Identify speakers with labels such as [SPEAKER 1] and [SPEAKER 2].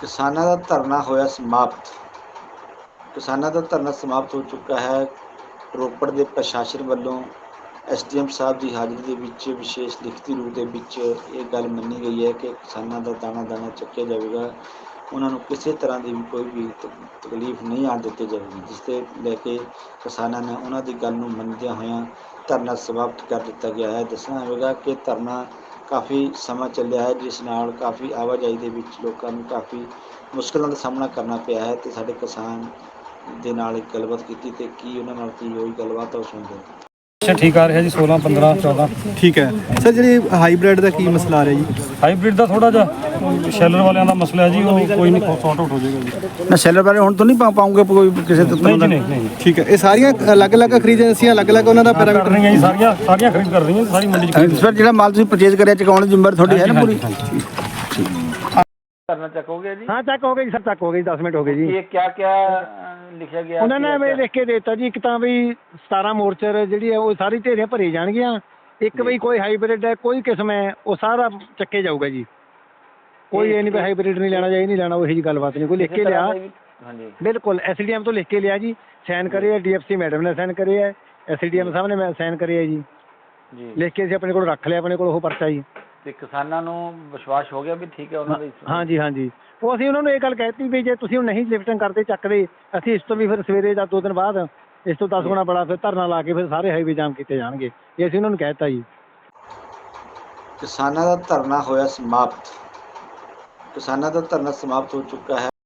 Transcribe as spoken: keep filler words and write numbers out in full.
[SPEAKER 1] ਕਿਸਾਨਾਂ ਦਾ ਧਰਨਾ ਹੋਇਆ ਸਮਾਪਤ। ਕਿਸਾਨਾਂ ਦਾ ਧਰਨਾ ਸਮਾਪਤ ਹੋ ਚੁੱਕਾ ਹੈ। ਰੋਪੜ ਦੇ ਪ੍ਰਸ਼ਾਸਨ ਵੱਲੋਂ ਐਸ ਡੀ ਐਮ ਸਾਹਿਬ ਦੀ ਹਾਜ਼ਰੀ ਦੇ ਵਿੱਚ ਵਿਸ਼ੇਸ਼ ਲਿਖਤੀ ਰੂਪ ਦੇ ਵਿੱਚ ਇਹ ਗੱਲ ਮੰਨੀ ਗਈ ਹੈ ਕਿ ਕਿਸਾਨਾਂ ਦਾ ਦਾਣਾ ਦਾਣਾ ਚੱਕਿਆ ਜਾਵੇਗਾ। ਉਹਨਾਂ ਨੂੰ ਕਿਸੇ ਤਰ੍ਹਾਂ ਦੀ ਵੀ ਕੋਈ ਵੀ ਤਕਲੀਫ ਨਹੀਂ ਆਉਣ ਦਿੱਤੀ ਜਾਵੇਗੀ, ਜਿਸ ਦੇ ਲੈ ਕੇ ਕਿਸਾਨਾਂ ਨੇ ਉਹਨਾਂ ਦੀ ਗੱਲ ਨੂੰ ਮੰਨਦਿਆਂ ਹੋਇਆਂ ਧਰਨਾ ਸਮਾਪਤ ਕਰ ਦਿੱਤਾ ਗਿਆ ਹੈ। ਦੱਸਣਾ ਹੋਵੇਗਾ ਕਿ ਧਰਨਾ ਕਾਫੀ ਸਮਾਂ ਚੱਲਿਆ ਹੈ, ਜਿਸ ਨਾਲ ਕਾਫੀ ਆਵਾਜਾਈ ਦੇ ਵਿੱਚ ਲੋਕਾਂ ਨੂੰ ਕਾਫੀ ਮੁਸ਼ਕਲਾਂ ਦਾ ਸਾਹਮਣਾ ਕਰਨਾ ਪਿਆ ਹੈ। ਤੇ ਸਾਡੇ ਕਿਸਾਨ ਦੇ ਨਾਲ ਇੱਕ ਗੱਲਬਾਤ ਕੀਤੀ ਤੇ ਕੀ ਉਹਨਾਂ ਨਾਲ ਕੀ ਹੋਈ ਗੱਲਬਾਤ ਉਹ ਸੁਣਦੇ ਹਾਂ।
[SPEAKER 2] ਅੱਛਾ ਠੀਕ ਆ ਰਿਹਾ ਜੀ ਸੋਲਾਂ ਪੰਦਰਾਂ ਚੌਦਾਂ।
[SPEAKER 3] ਠੀਕ ਹੈ ਸਰ, ਜਿਹੜੀ ਹਾਈਬ੍ਰਿਡ ਦਾ ਕੀ ਮਸਲਾ ਆ ਰਿਹਾ ਜੀ?
[SPEAKER 2] ਹਾਈਬ੍ਰਿਡ ਦਾ ਥੋੜਾ ਜਿਹਾ ਸ਼ੈਲਰ ਵਾਲਿਆਂ ਦਾ ਮਸਲਾ ਹੈ ਜੀ, ਉਹ ਕੋਈ ਨਹੀਂ ਸੌਟ ਆਊਟ ਹੋ ਜਾਏਗਾ ਜੀ।
[SPEAKER 3] ਨਾ ਸ਼ੈਲਰ ਬਾਰੇ ਹੁਣ ਤੋਂ ਨਹੀਂ ਪਾ ਪਾਉਂਗੇ ਕੋਈ ਕਿਸੇ ਤੋਂ?
[SPEAKER 2] ਨਹੀਂ ਜੀ ਨਹੀਂ ਨਹੀਂ।
[SPEAKER 3] ਠੀਕ ਹੈ, ਇਹ ਸਾਰੀਆਂ ਅਲੱਗ-ਅਲੱਗ ਖਰੀਦ ਏਜੰਸੀਆਂ ਅਲੱਗ-ਅਲੱਗ ਉਹਨਾਂ ਦਾ
[SPEAKER 2] ਕਰ
[SPEAKER 3] ਪੈਰਾਮੀਟਰ
[SPEAKER 2] ਰਹੀਆਂ ਜੀ, ਸਾਰੀਆਂ ਸਾਰੀਆਂ ਖਰੀਦ ਕਰ ਰਹੀਆਂ ਸਾਰੀ ਮੰਡੀ ਚ।
[SPEAKER 3] ਸਰ ਜਿਹੜਾ ਮਾਲ ਤੁਸੀਂ ਪਰਚੇਜ਼ ਕਰਿਆ ਚੁਕਾਉਣ ਦੀ ਜ਼ਿੰਮੇਵਾਰੀ ਤੁਹਾਡੀ ਹੈ ਨਾ ਪੂਰੀ?
[SPEAKER 4] करना चेक हो गया जी?
[SPEAKER 5] हाँ चेक हो गई सर, चेक हो गई, दस मिनट हो गए जी।
[SPEAKER 4] ये क्या क्या लिखा गया?
[SPEAKER 5] उन्होंने मैं लिख के देता जी, एक तो भी सतारह मोर्चर जी है वो सारी ढेरियां भरी जाएगियां, एक बई कोई हाईब्रिड है कोई किस्म है वो सारा चक्के जाऊगा जी। कोई ये नहीं हाईब्रिड नहीं लेना चाहिए नहीं लेना, वही जी गलबात नहीं। कोई लिख के लिया?
[SPEAKER 4] हाँ जी
[SPEAKER 5] बिल्कुल, एस डी एम तो लिख के लिया जी, साइन करे है, डी एफ सी मैडम ने साइन करे है, एस डी एम साहब ने साइन करे है जी
[SPEAKER 4] जी।
[SPEAKER 5] लिख के अपने को रख लिया, अपने को परचा जी।
[SPEAKER 4] ਤੇ ਕਿਸਾਨਾਂ ਨੂੰ ਵਿਸ਼ਵਾਸ ਹੋ ਗਿਆ ਵੀ ਠੀਕ ਹੈ ਉਹਨਾਂ ਦੀ?
[SPEAKER 5] ਹਾਂ ਜੀ ਹਾਂ ਜੀ, ਉਹ ਅਸੀਂ ਉਹਨਾਂ ਨੂੰ ਇਹ ਗੱਲ ਕਹਿਤੀ ਵੀ ਜੇ ਤੁਸੀਂ ਹੁਣ ਨਹੀਂ ਲਿਫਟਿੰਗ ਕਰਦੇ ਚੱਕਦੇ, ਅਸੀਂ ਇਸ ਤੋਂ ਵੀ ਫਿਰ ਸਵੇਰੇ ਜਾਂ ਦੋ ਦਿਨ ਬਾਅਦ ਇਸ ਤੋਂ ਦਸ ਗੁਣਾ ਬੜਾ ਫਿਰ ਧਰਨਾ ਲਾ ਕੇ ਫਿਰ ਸਾਰੇ ਹਾਈਵੇ ਜਾਮ ਕੀਤੇ ਜਾਣਗੇ, ਇਹ ਅਸੀਂ ਉਹਨਾਂ ਨੂੰ ਕਹਿਤਾ ਜੀ।
[SPEAKER 1] ਕਿਸਾਨਾਂ ਦਾ ਧਰਨਾ ਹੋਇਆ ਸਮਾਪਤ। ਕਿਸਾਨਾਂ ਦਾ ਧਰਨਾ ਸਮਾਪਤ ਹੋ ਚੁੱਕਾ ਹੈ।